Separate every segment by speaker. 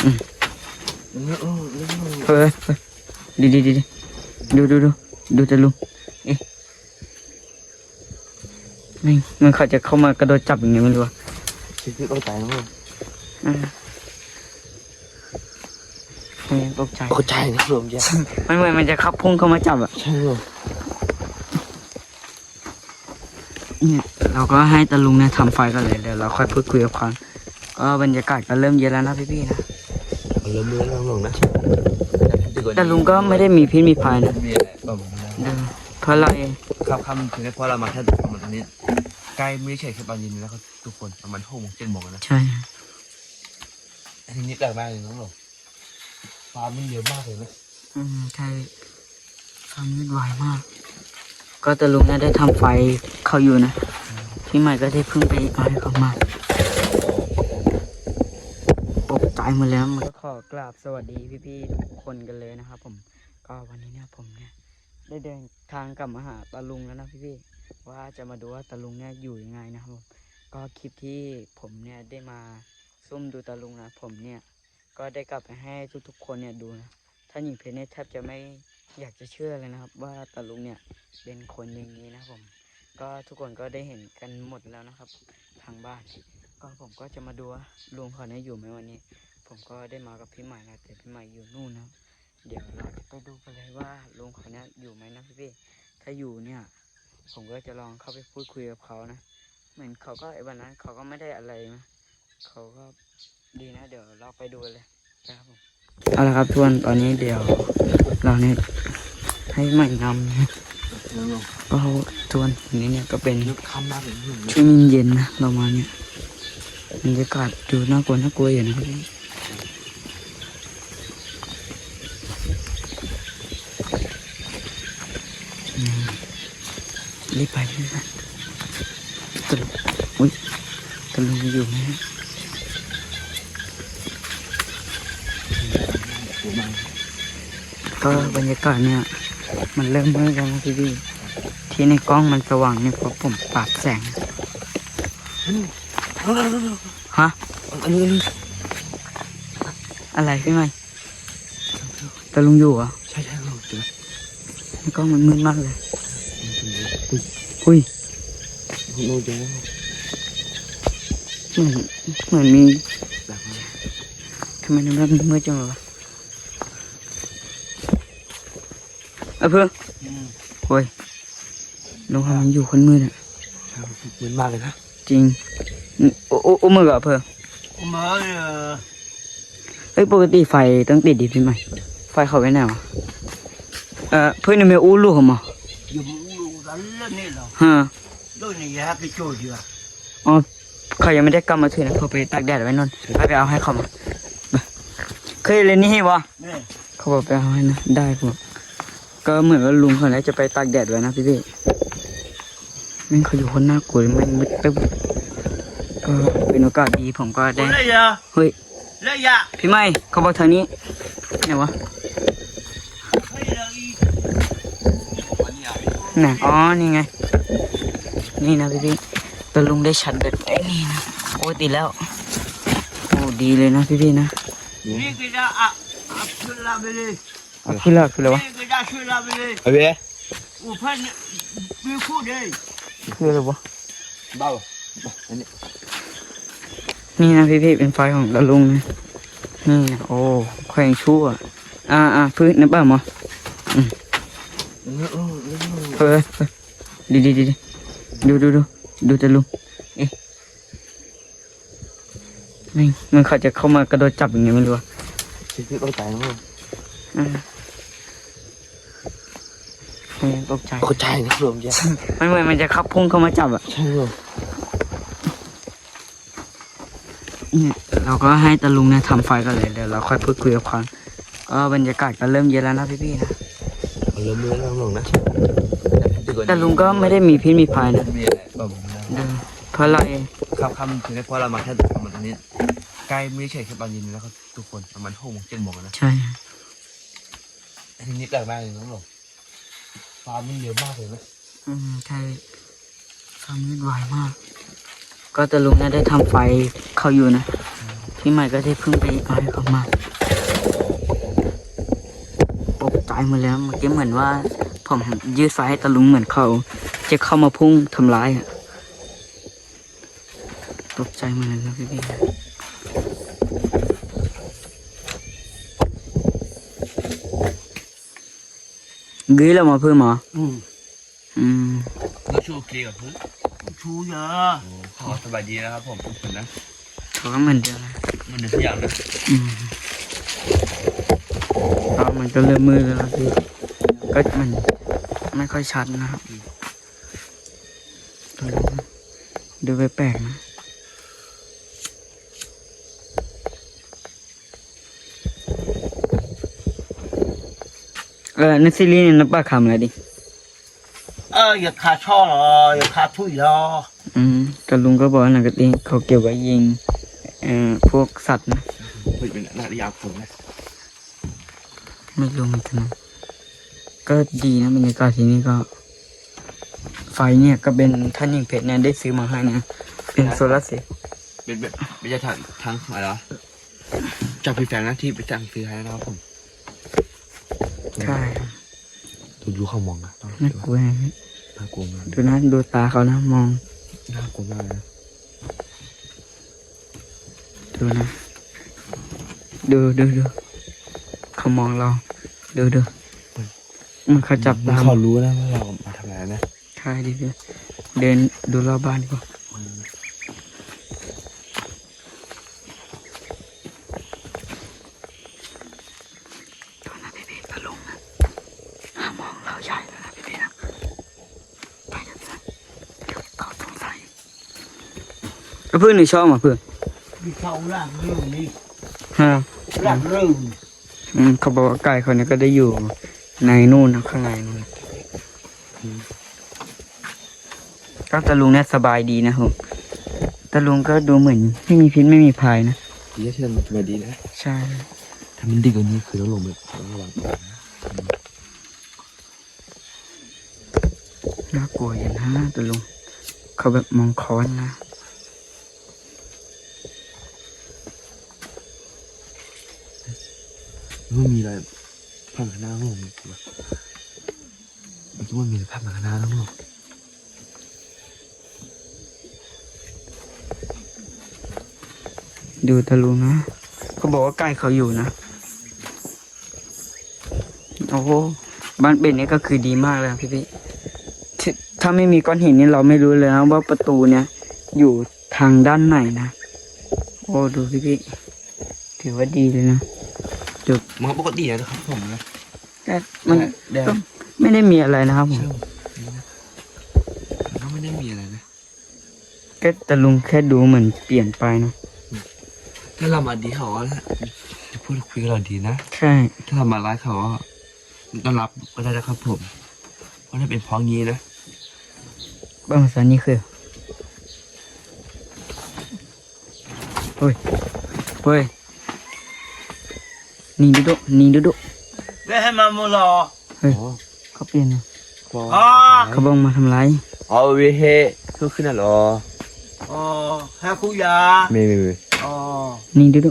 Speaker 1: อืมเฮ้ยดีดูจะลุงเอ๊ะนี่มันเขาจะเข้ามากระโดดจับอย่างเงี้ยไม่รู้
Speaker 2: ชีวิตต้องตายมั้ง
Speaker 1: ตกใจ
Speaker 2: นะรวมเยอะ
Speaker 1: ไม่เหมือนมันจะขับพุ่งเข้ามาจับอ่ะ
Speaker 2: ใช่หรอ
Speaker 1: เนี่ยเราก็ให้ตาลุงเนี่ยทำไฟกันเลยเดี๋ยวเราค่อยพูดคุยกับเขาก็บรรยากาศก็เริ่มเย็นแล้วนะพี่ๆนะ
Speaker 2: เริ่มลงนะ
Speaker 1: แต่ลุงก็ไม่ได้มีพิษมีภัยนะเพราะเราเอง
Speaker 2: ค่ำถึงได้เพราะเรามาแค่ประมาณตรงนี้ใกล้ไม่ใช่แค่ตอนเย็นแล้วก็ทุกคนประมาณ6 โมง 7 โมงนะ
Speaker 1: ใช่
Speaker 2: ทีนี้แปลกมากเลยน้องหลงฟ้ามันเยอะมากเลยนะ
Speaker 1: ใช่ฟ้ามืดไวมากก็ตาลุงเนี่ยได้ทำไฟเขาอยู่นะพี่ใหม่ก็ได้เพิ่งไปเอาให้เขามาตกใจหมดแล้วมันก็ขอกราบสวัสดีพี่ๆทุกคนกันเลยนะครับผมก็วันนี้เนี่ยผมเนี่ยได้เดินทางกลับมาหาตาลุงแล้วนะพี่ๆว่าจะมาดูว่าตาลุงเนี่ยอยู่ยังไงนะครับผมก็คลิปที่ผมเนี่ยได้มาซุ่มดูตาลุงนะผมเนี่ยก็ได้กลับไปให้ทุกๆคนเนี่ยดูนะท่านหญิงเพชรเนี่ยแทบจะไม่อยากจะเชื่อเลยนะครับว่าตาลุงเนี่ยเป็นคนอย่างนี้นะผมก็ทุกคนก็ได้เห็นกันหมดแล้วนะครับทางบ้านก็ผมก็จะมาดูว่าลุงเขาเนี่ยอยู่ไหมวันนี้ผมก็ได้มากับพี่ใหม่นะแต่พี่ใหม่อยู่นู่นนะเดี๋ยวเราจะไปดูกันเลยว่าลุงเขาเนี่ยอยู่ไหมนะพี่ถ้าอยู่เนี่ยผมก็จะลองเข้าไปพูดคุยกับเขานะเหมือนเขาก็วันนั้นเขาก็ไม่ได้อะไรนะเขาก็ดีนะเดี๋ยวเราไปดูเลยนะครับผมเอาละครับทุกคนตอนนี้เดี๋ยวเราเนี่ยให้ใหม่นำนะก็ทุกคนนี้เนี่ยก็เป็นช่วงเย็นนะเรามาเนี่ยบรรยากาศดูน่ากลัวอยู่นะครับรีบไปตะลุงอยู่ไหมก็บรรยากาศเนี่ยมันเริ่มมืดแล้วนะพี่ที่ในกล้องมันสว่างเนี่ยเพราะผมปรับแสงฮะอะไรพี่ใหม่ตะลุงอยู่อ่ะ
Speaker 2: ใช่เราเจอ
Speaker 1: ในกล้องมันมืดมากเลยอุ้ย
Speaker 2: เราเจอ
Speaker 1: เหมือนมีทำไมมันมืดจังเลยวะเพื่อนโอ้ยลุงเขามันอยู่คนมืดอ่ะ
Speaker 2: ใช่มืดมากเลยนะ
Speaker 1: จริงโอ้มือกับเพื่อนเฮ้ยปกติไฟต้องติดดิพี่ใหม่ไฟเขาไว้ไหนวะเพื่อนไม่อู้ลูกเขามั้งฮะอ๋อเขายังไม่ได้กลับมาถึงนะเขาไปตากแดดไว้นนไปเอาให้เขามาเคยเล่นนี่ให้วะเขาบอกไปเอาให้นะได้ผมก็เหมือนว่าลุงเขาเนี่ยจะไปตากแดดไว้นะพี่แม่งเขาอยู่คนน่ากลัวแม่งมืดตึ๊บก็เป็นโอกาสดีผมก็ได้เฮ้ยพี่ไม่เขาบอกทางนี้ไหนวะไหนอ๋อนี่ไงนี่นะพี่ตะลุงได้ชัดแบบไอ้นี่นะโอ้ดีแล้วโอ้ดีเลยนะพี่นะคืออะไรวะ
Speaker 2: อะไร
Speaker 1: คืออะไรวะ
Speaker 2: เบ้า
Speaker 1: นี่นะพี่เป็นไฟของตะลุงนะนี่โอ้แขวงชั่วพื้นน้ำเปล่ามั้งเฮ้ยดีดูจะลุงเอ๊ะนี่มันเขาจะเข้ามากระโดดจับอย่างเงี้ยไม่รู้
Speaker 2: ชีวิตต้องตายมั้ง
Speaker 1: ตกใจ
Speaker 2: นะรวมเยอะ
Speaker 1: ไม่เหมือนมันจะขับพุ่งเข้ามาจับอ่ะ
Speaker 2: ใช่หรอ
Speaker 1: เนี่ยเราก็ให้ตาลุงเนี่ยทำไฟกันเลยเดี๋ยวเราค่อยพูดคุยกับเขาก็บรรยากาศก็เริ่มเย็นแล้วนะพี่นะ
Speaker 2: เริ่มลงนะ
Speaker 1: แต่ลุงก็ไม่ได้มีพิษมีภัยนะเพราะเราเอง
Speaker 2: ค่ำถึงได้เพราะเรามาแค่ประมาณตรงนี้ใกล้ไม่ใช่แค่ตอนเย็นแล้วก็ทุกคนประมาณ6 โมง 7 โมงนะ
Speaker 1: ใช่
Speaker 2: ทีนี้แปลกมากเลยน้องหลงฟ้ามันเยอะมากเลยนะ
Speaker 1: ใช่ฟ้ามืดไวมากก็ตาลุงเนี่ยได้ทำไฟเขาอยู่นะพพี่ใหม่ก็ได้เพิ่งไปเอาให้เขามาตกใจหมดแล้วเมื่อกี้เหมือนว่าผมยืดไฟให้ตะลุงเหมือนเขาจะเข้ามาพุ่งทำร้ายอ่ะตกใจหมดเลยนะพี่กี้เรามาเพิ่มเหรออืม
Speaker 2: เราชูเคลียร์กับพื้น
Speaker 3: chú giờ
Speaker 2: ขอสบายดีนะครับผมทุกคนนะ
Speaker 1: เขาก็เหมือนเดิมนะ
Speaker 2: มันเดือดทุกอย่างนะ
Speaker 1: อืมก็มันก็เริ่มมืดแล้วนะพี่ก็มันไม่ค่อยชัดนะครับดูแปลกๆนะในซีรีส์นี่นับปากคำอะไรดิ
Speaker 3: giờ khá cho giờ khá thui lo
Speaker 1: กับลุงก็บอกว่าหนังกะติเขาเกี่ยวกับยิงพวกสัตว์นะ
Speaker 2: เป็นนาฬิกาผมนะ
Speaker 1: ไม่รู้เหมือนกันนะก็ดีนะบรรยากาศที่นี่ก็ ไฟเนี่ยก็เป็นท่านยิงเพชรเนี่ยได้ซื้อมาให้นะเป็นโซลาร์เซลล์
Speaker 2: เป็นแบบไม่ใช่ทางอะไรวะจากพี่แฟงนะที่ไปสั่งซื้อให้นะครับผม
Speaker 1: ใช่ครับ
Speaker 2: ดูเขามองนะ
Speaker 1: น่ากลัวนะ
Speaker 2: น่ากลัวมาก
Speaker 1: ดูนะดูตาเขานะมอง
Speaker 2: น่ากลัวมากนะ
Speaker 1: ดูนะดูเขามองเราดูมันเขาจับตา
Speaker 2: เขารู้นะว่าเรามาทำอะไรนะ
Speaker 1: ใช่ดิพี่เดินดูรอบบ้านดีกว่าดูนะพี่ตะลุงนะมองเราใหญ่แล้วนะพี่นะไปกันนะเดี๋ยวเขาสงสัยเพื่อนในช่องอ่ะเพื่อน
Speaker 3: đi sau làm rừng đi
Speaker 1: ฮะ
Speaker 3: làm rừng
Speaker 1: เขาบอกว่าไก่เขาเนี่ยก็ได้อยู่ในนู่นนะข้างในนู่นก็ตะลุงเนี่ยสบายดีนะครับตะลุงก็ดูเหมือนไม่มีพิษไม่มีภัยนะ
Speaker 2: ดีที่มันมาดีนะ
Speaker 1: ใช่
Speaker 2: ถ้ามันดีกว่านี้คือต้องลงแบบต้องระวังตัวนะ
Speaker 1: น่ากลัวอย่างนะตะลุงเขาแบบมองค้อนนะ
Speaker 2: มันมีอะไรภาพข้างหน้าต้องลงมันคิดว่ามีภาพข้างหน้าต้องลง
Speaker 1: ดูตะลุงนะเขาบอกว่าไก่เขาอยู่นะโอ้โหบ้านเป็ดนี่ก็คือดีมากเลยนะพี่ถ้าไม่มีก้อนหินนี่เราไม่รู้เลยนะว่าประตูเนี่ย อยู่ทางด้านไหนนะโอ้ดูพี่ถือว่าดีเลยนะ
Speaker 2: มันก็ปกตินะครับผมนะ
Speaker 1: แต่มันก็ไม่ได้มีอะไรนะครับผม
Speaker 2: ก็ไม่ได้มีอะไรนะ
Speaker 1: ก็แต่ลุงแค่ดูเหมือนเปลี่ยนไปนะ
Speaker 2: ถ้าเรามาดีเขาแล้วจะพูดคุยกับเราดีนะ
Speaker 1: ใช่
Speaker 2: ถ้าเรามาร้ายเขาต้อนรับก็ได้นะครับผมเพราะถ้าเป็นพ้องงี้นะ
Speaker 1: บ้านภาษานี่คือเฮ้ยนี่ดู
Speaker 3: đểให้มาmua lò
Speaker 1: เฮ้ยเขาเปลี่ยนนะ เขาบอกมาทำร้าย
Speaker 2: อ๋อเวเฮก็ขึ้นน่ะหรอ
Speaker 3: hai khu già
Speaker 2: ไม่
Speaker 1: นี่ดู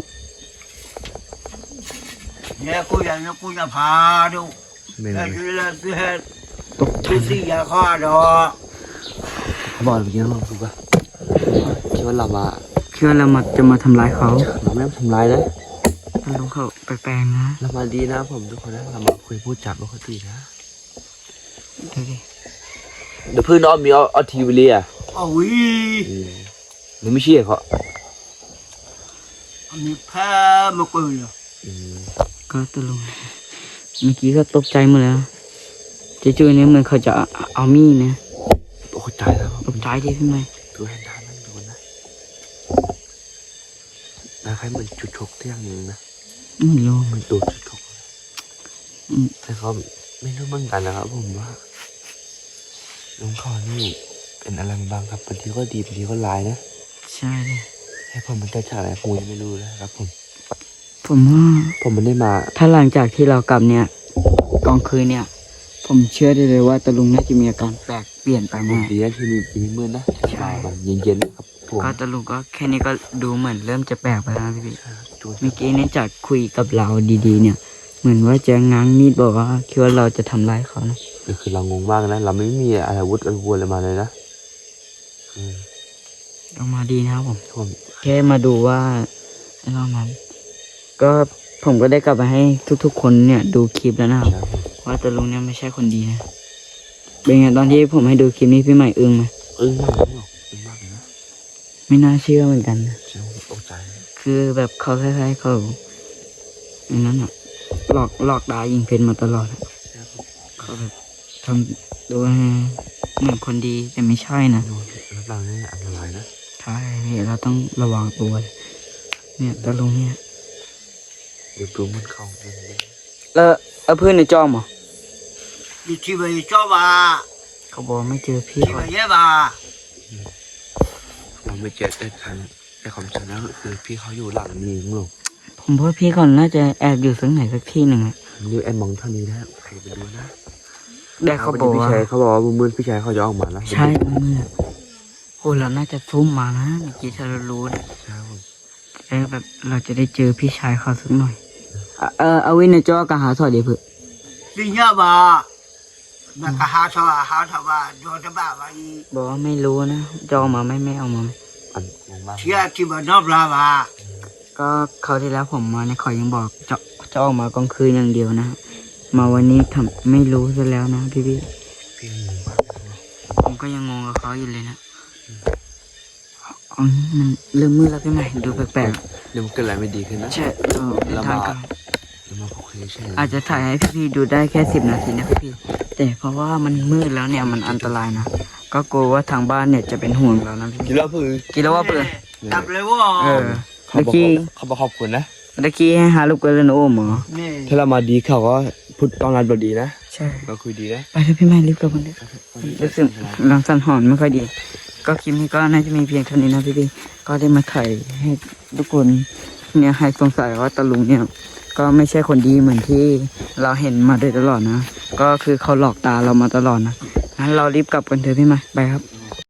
Speaker 3: nghe khu già nó khu già phá đâu
Speaker 2: ไม่
Speaker 3: đây chú lên chú hết
Speaker 1: ตกใจ
Speaker 3: chú xì già kho đó
Speaker 2: เขาบอกเมื่อกี้เราถูกป่ะคิดว่าเรามา
Speaker 1: คิดว่าเราจะมาทำร้ายเขา
Speaker 2: เราไม่ได้ทำร้ายนะ
Speaker 1: ลุงเขาแปลกๆนะ
Speaker 2: เรามาดีนะผมทุกคนนะเรามาคุยพูดจับปกตินะ
Speaker 1: ดูดิ
Speaker 2: เดี๋ยวเพื่อนน้องมีเอาทีวีเลยอ่ะ
Speaker 3: ôi
Speaker 2: หรือไม่เชื่อเขา
Speaker 3: mình phá một cười rồi
Speaker 1: ก็ตะลุงเมื่อกี้ก็ตกใจหมดแล้วจู่ๆเนี่ยเหมือนเขาจะเอามีดนะ
Speaker 2: ตกใจแล้ว
Speaker 1: ตกใจดิพี่ไหม
Speaker 2: ดูให้น้านั่งดูนะนะใครเหมือนจุดชกที่อย่างหนึ่งนะ
Speaker 1: ไม่รู้
Speaker 2: เหมือนโดนจุดชกแต่เขาไม่รู้เหมือนกันนะครับผมว่าน้องคอนี่เป็นอะไรบ้างครับบางทีก็ดีบางทีก็ร้ายนะ
Speaker 1: ใช่เลย
Speaker 2: ให้ผมมันจะฉากอะไรผมยังไม่รู้เลยครับผม
Speaker 1: ผมว่า
Speaker 2: ผมมันได้มา
Speaker 1: ถ้าหลังจากที่เรากลับเนี่ยกลางคืนเนี่ย ผมเชื่อได้เลยว่าตะลุงน่าจะมีอาการแปลกเปลี่ยนไปแน่
Speaker 2: ดีนะที่มีมืดนะ
Speaker 1: ใช่
Speaker 2: มันเย็นๆนะครับผม
Speaker 1: ก็ตะลุงก็แค่นี้ก็ดูเหมือนเริ่มจะแปลกไปแล้วนะพี่
Speaker 2: ใช่ครับดู
Speaker 1: เมื่อกี้เนี่ยจากคุยกับเราดีๆ เนี่ย เหมือนว่าจะง้างมีดบอกว่าคิดว่าเราจะทำร้ายเขานะ
Speaker 2: คือเรางงมากนะเราไม่มีอาวุธอะไรมาเลยนะอืม
Speaker 1: ออกมาดีนะครับผม
Speaker 2: ผม
Speaker 1: แค่มาดูว่าไอ้นอกนั้น ก็ผมก็ได้กลับไปให้ทุกๆ คนเนี่ยดูคลิปแล้วนะครับ
Speaker 2: ใช่ผม
Speaker 1: ว่าตะลุงเนี่ยไม่ใช่คนดีนะเป็นไงตอนที่ผมให้ดูคลิปนี้พี่ใหม่อึ้งไหม
Speaker 2: อึ้งมากเลยเนาะอึ้งมากเลยนะ
Speaker 1: ไม่น่าเชื่อเหมือนกันนะ
Speaker 2: ใช่ผมตกใจเลย
Speaker 1: คือแบบเขาคล้ายๆเขาอย่างนั้นอ่ะหลอกด่ายิงเพชรมาตลอดอะ
Speaker 2: ใช่ผม
Speaker 1: เขาแบบทำตัวเหมือนคนดีแต่ไม่ใช่นะ
Speaker 2: ดูรับรางนี่อันตรายนะ
Speaker 1: ใช่พี่เราต้องระวังตัวเลยเนี่ยตะลุงเนี่ย
Speaker 2: เดี๋ยวดูมันเข้าเรื่องนี้
Speaker 1: แล้วเอาเพื่อนในจอมเหรอ
Speaker 3: 你去吧，找吧，
Speaker 1: เขาบอกไม่เจอพี่
Speaker 3: 去
Speaker 1: เขา
Speaker 3: 吧也吧。
Speaker 2: ผมไม่เจอได้ครั้งแต่ความจริงแล้วคือพี่เขาอยู่หลังนี้มั้งลูก
Speaker 1: ผมว่าพี่เขาน่าจะแอบอยู่สักไหนสักที่หนึ่งอะ
Speaker 2: ดูแอนมองเท่านี้นะใครไปดูนะ
Speaker 1: แต่เขาบอก
Speaker 2: พี่
Speaker 1: ว่า
Speaker 2: ชายเขาบอกว่ามือพี่ชายเขาจะออกมาแล้ว
Speaker 1: ใช่เมื่อโอ้เราน่าจะซุ่มมานะเมื่อกี้ถ้าเรารู้นะ
Speaker 2: ใช่ผม
Speaker 1: จะแบบเราจะได้เจอพี่ชายเขาสักหน่อยเอาวินในจอกะหาสอดเดี๋ยวเพื่อ
Speaker 3: 你要吧，那个哈草吧，找着吧吧，
Speaker 1: บอกว่าไม่รู้นะจะเอามาไม่เอามา
Speaker 2: อันงงมาก
Speaker 3: 去吧找不着吧。
Speaker 1: ก็เขาวที่แล้วผมมาเนี่ยเขายังบอกจะออกมากลางคืนอย่างเดียวนะ มาวันนี้ทำไม่รู้ซะแล้วนะพี่
Speaker 2: พี่งงมากเลย
Speaker 1: ผมก็ยังงงกับเขาอยู่เลยนะอ๋อมันเริ่มมืดแล้วพี่ใหม่ดูแปลก
Speaker 2: เดี๋ยวมันเกิดอะไรไม่ดีขึ้นนะ
Speaker 1: ๆใช่
Speaker 2: เรามา
Speaker 1: ทางกัน
Speaker 2: เรามาคุยใช่
Speaker 1: อาจจะถ่ายให้พี่ๆดูได้แค่10 นาทีนะพี่ๆแต่เพราะว่ามันมืดแล้วเนี่ยมันอันตรายนะก็กลัวว่าทางบ้านเนี่ยจะเป็นห่วงเรานะพี่
Speaker 2: กินแล้วคือ
Speaker 1: กินแล้วว่าเพื่อน
Speaker 3: 打不来我。
Speaker 1: เมื่อกี้
Speaker 2: เขาบอกขอบคุณนะ
Speaker 1: เมื่อกี้ให้หาลูกกันเลยนะโอ้หมอ
Speaker 2: ถ้าเรามาดีเขาก็พูดตอนนั้นเราดีนะ
Speaker 1: ใช่
Speaker 2: เราคุยดีนะ
Speaker 1: ไปเถอะพี่ใหม่รีบกลับกันเถอะรู้สึกหลังสันหอนไม่ค่อยดี ก็คลิปนี้ก็น่าจะมีเพียงเท่านี้นะพี่ๆก็ได้มาถ่ายให้ทุกคนเนี่ยให้สงสัยว่าตาลุงเนี่ยก็ไม่ใช่คนดีเหมือนที่เราเห็นมาโดยตลอดนะ ก็คือเขาหลอกตาเรามาตลอดนะงั้นเรารีบกลับกันเถอะพี่ใหม่ไปครับ